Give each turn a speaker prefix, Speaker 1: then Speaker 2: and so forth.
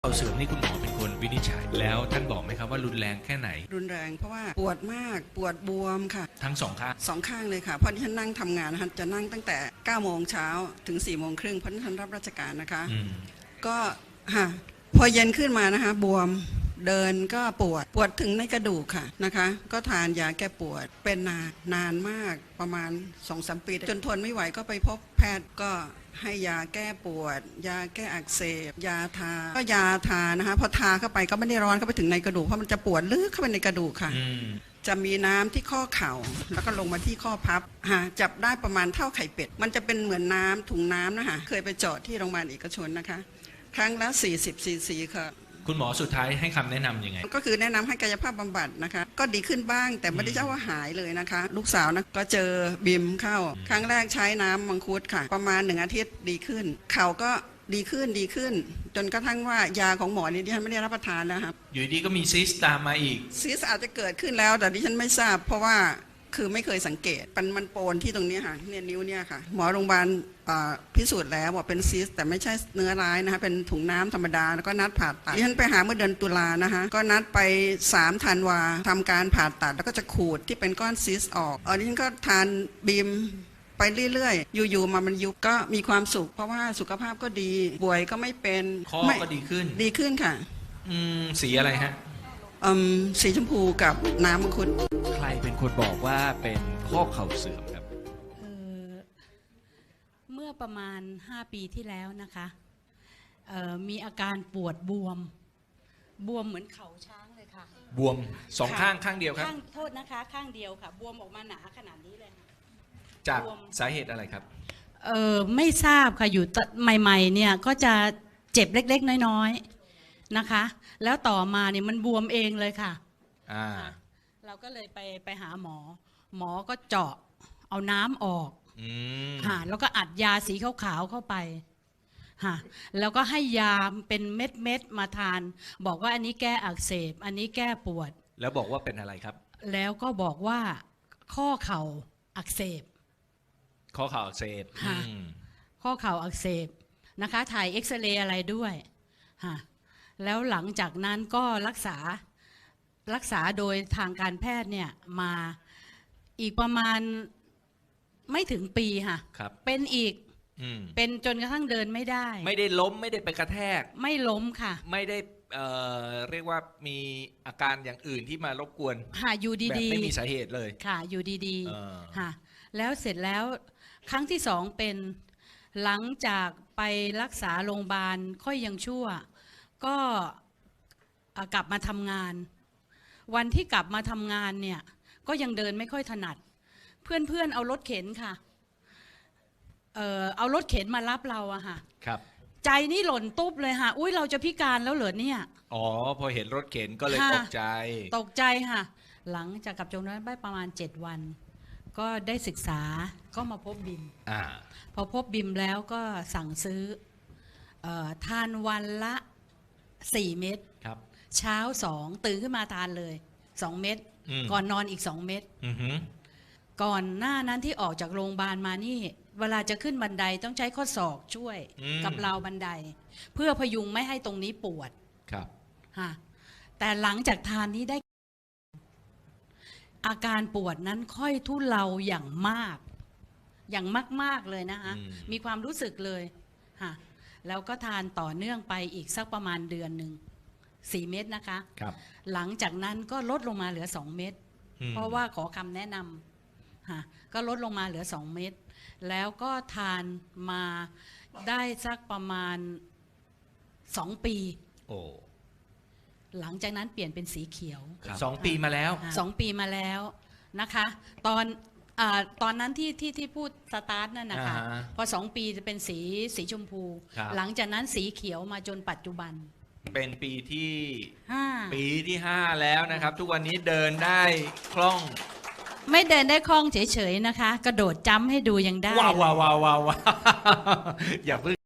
Speaker 1: เข่าเสื่อมนี่คุณหมอเป็นคนวินิจฉัยแล้วท่านบอกไหมครับว่ารุนแรงแค่ไหน
Speaker 2: รุนแรงเพราะว่าปวดมากปวดบวมค่ะ
Speaker 1: ทั้งสองข้าง
Speaker 2: 2 ข้างเลยค่ะเพราะที่ฉันนั่งทำงานนะคะจะนั่งตั้งแต่9 โมงเช้าถึง4 โมงครึ่งเพราะที่ฉันรับราชการนะคะก็พอเย็นขึ้นมานะคะบวมเดินก็ปวดถึงในกระดูกค่ะนะคะก็ทานยาแก้ปวดเป็นนานมากประมาณ 2-3 ปีจนทนไม่ไหวก็ไปพบแพทย์ก็ให้ยาแก้ปวดยาแก้อักเสบยาทาก็ยาทานะคะพอทาเข้าไปก็ไม่ได้ร้อนเข้าไปถึงในกระดูกเพราะมันจะปวดลึกเข้าไปในกระดูกค่ะจะมีน้ำที่ข้อเข่าแล้วก็ลงมาที่ข้อพับจับได้ประมาณเท่าไข่เป็ดมันจะเป็นเหมือนน้ำถุงน้ำนะคะเคยไปเจาะที่โรงพยาบาลเอกชนนะคะครั้งละ40 ซีซีค่ะ
Speaker 1: คุณหมอสุดท้ายให้คำแนะนำยังไง
Speaker 2: ก็คือแนะนำให้กายภาพบำบัดนะคะก็ดีขึ้นบ้างแต่ไม่ได้เจ้าว่าหายเลยนะคะลูกสาวนะก็เจอบิมเข้าครั้งแรกใช้น้ำมังคุดค่ะประมาณ1 อาทิตย์ดีขึ้นเข่าก็ดีขึ้นจนกระทั่งว่ายาของหมอนี่ดิฉันไม่ได้รับประทานแล้วครับ
Speaker 1: อยู่ดีก็มีซิสตามมาอีก
Speaker 2: ซิสอาจจะเกิดขึ้นแล้วแต่ดิฉันไม่ทราบเพราะว่าคือไม่เคยสังเกตมันโปนที่ตรงนี้ค่ะเนี่ยนิ้วเนี่ยค่ะหมอโรงพยาบาลพิสูจน์แล้วว่าเป็นซิสแต่ไม่ใช่เนื้อร้ายนะคะเป็นถุงน้ำธรรมดาแล้วก็นัดผ่าตัดดิฉันไปหาเมื่อเดือนตุลานะคะก็นัดไป3 ธันวาทำการผ่าตัดแล้วก็จะขูดที่เป็นก้อนซิสออกดิฉันก็ทานบีมไปเรื่อยๆอยู่ๆมันยุบก็มีความสุขเพราะว่าสุขภาพก็ดีป่วยก็ไม่เป็น
Speaker 1: ข้อก็ดีขึ้น
Speaker 2: ค่ะ
Speaker 1: สีอะไรฮะ
Speaker 2: สีชมพูกับน้ำมังคุด
Speaker 1: ใครเป็นคนบอกว่าเป็นข้อเข่าเสื่อมครับ
Speaker 3: เมื่อประมาณ5 ปีที่แล้วนะคะมีอาการปวดบวมเหมือนเข่าช้างเลยค่ะ
Speaker 1: บวม2 ข้างเดียวครับ
Speaker 3: โทษนะคะข้างเดียวค่ะบวมออกมาหนาขนาดนี้เลยค่ะ
Speaker 1: จากสาเหตุอะไรครับ
Speaker 3: ไม่ทราบค่ะอยู่ใหม่ๆเนี่ยก็จะเจ็บเล็กๆน้อยๆนะคะแล้วต่อมาเนี่ยมันบวมเองเลยค่ะเราก็เลยไปหาหมอก็เจาะเอาน้ำออกแล้วก็อัดยาสีขาวๆเข้าไปแล้วก็ให้ยาเป็นเม็ดมาทานบอกว่าอันนี้แก้อักเสบอันนี้แก้ปวด
Speaker 1: แล้วบอกว่าเป็นอะไรครับ
Speaker 3: แล้วก็บอกว่าข้อเข่าอักเสบ
Speaker 1: ข้อเข่าอักเสบ
Speaker 3: ข้อเข่าอักเสบนะคะถ่ายเอ็กซเรย์อะไรด้วยแล้วหลังจากนั้นก็รักษาโดยทางการแพทย์เนี่ยมาอีกประมาณไม่ถึงปีค่ะเป็นอีกเป็นจนกระทั่งเดินไม่ได้
Speaker 1: ไม่ได้ล้มไม่ได้ไปกระแทก
Speaker 3: ไม่ล้มค่ะ
Speaker 1: ไม่ได้เรียกว่ามีอาการอย่างอื่นที่มารบกวน
Speaker 3: อยู่ดีๆ
Speaker 1: แบบไม่มีสาเหตุเลย
Speaker 3: ค่ะอยู่ดีๆค่ะแล้วเสร็จแล้วครั้งที่2เป็นหลังจากไปรักษาโรงพยาบาลค่อยยังชั่วก็กลับมาทำงานวันที่กลับมาทำงานเนี่ยก็ยังเดินไม่ค่อยถนัดเพื่อนเอารถเข็นค่ะเอารถเข็นมารับเราอะค่ะ
Speaker 1: ครับ
Speaker 3: ใจนี่หล่นตุ๊บเลยค่ะอุ้ยเราจะพิการแล้วเหรอเนี่ย
Speaker 1: อ๋อพอเห็นรถเข็นก็เลยตกใจ
Speaker 3: ค่ะหลังจากกลับจากนั้นไปประมาณ7 วันก็ได้ศึกษาก็มาพบบิมพอพบบิมแล้วก็สั่งซื้อทานวันละ4 เม็ด
Speaker 1: ครับ
Speaker 3: เช้า2ตื่นขึ้นมาทานเลย2 เม็ดก่อนนอนอีก2 เม็ดก่อนหน้านั้นที่ออกจากโรงพยาบาลมานี่เวลาจะขึ้นบันไดต้องใช้ข้อศอกช่วยกับราวบันไดเพื่อพยุงไม่ให้ตรงนี้ปวด
Speaker 1: ครับ
Speaker 3: แต่หลังจากทานนี้ได้อาการปวดนั้นค่อยทุเลาอย่างมากเลยนะคะมีความรู้สึกเลยแล้วก็ทานต่อเนื่องไปอีกสักประมาณเดือนหนึ่ง4 เม็ดนะคะหลังจากนั้นก็ลดลงมาเหลือ2 เม็ดเพราะว่าขอคำแนะนำก็ลดลงมาเหลือ2 เม็ดแล้วก็ทานมาได้สักประมาณ2 ปีหลังจากนั้นเปลี่ยนเป็นสีเขียว
Speaker 1: 2 ปีมาแล้ว
Speaker 3: 2 ปีมาแล้วนะคะตอนนั้นที่พูดสตาร์ทนั่นนะคะพอ2 ปีจะเป็นสีชมพูหลังจากนั้นสีเขียวมาจนปัจจุบัน
Speaker 1: เป็นปีที่5แล้วนะครับทุกวันนี้เดินได้คล่อง
Speaker 3: ไม่เดินได้คล่องเฉยๆนะคะกระโดดจัมป์ให้ดูยังได้
Speaker 1: ว้าวอย่าเพิ่ง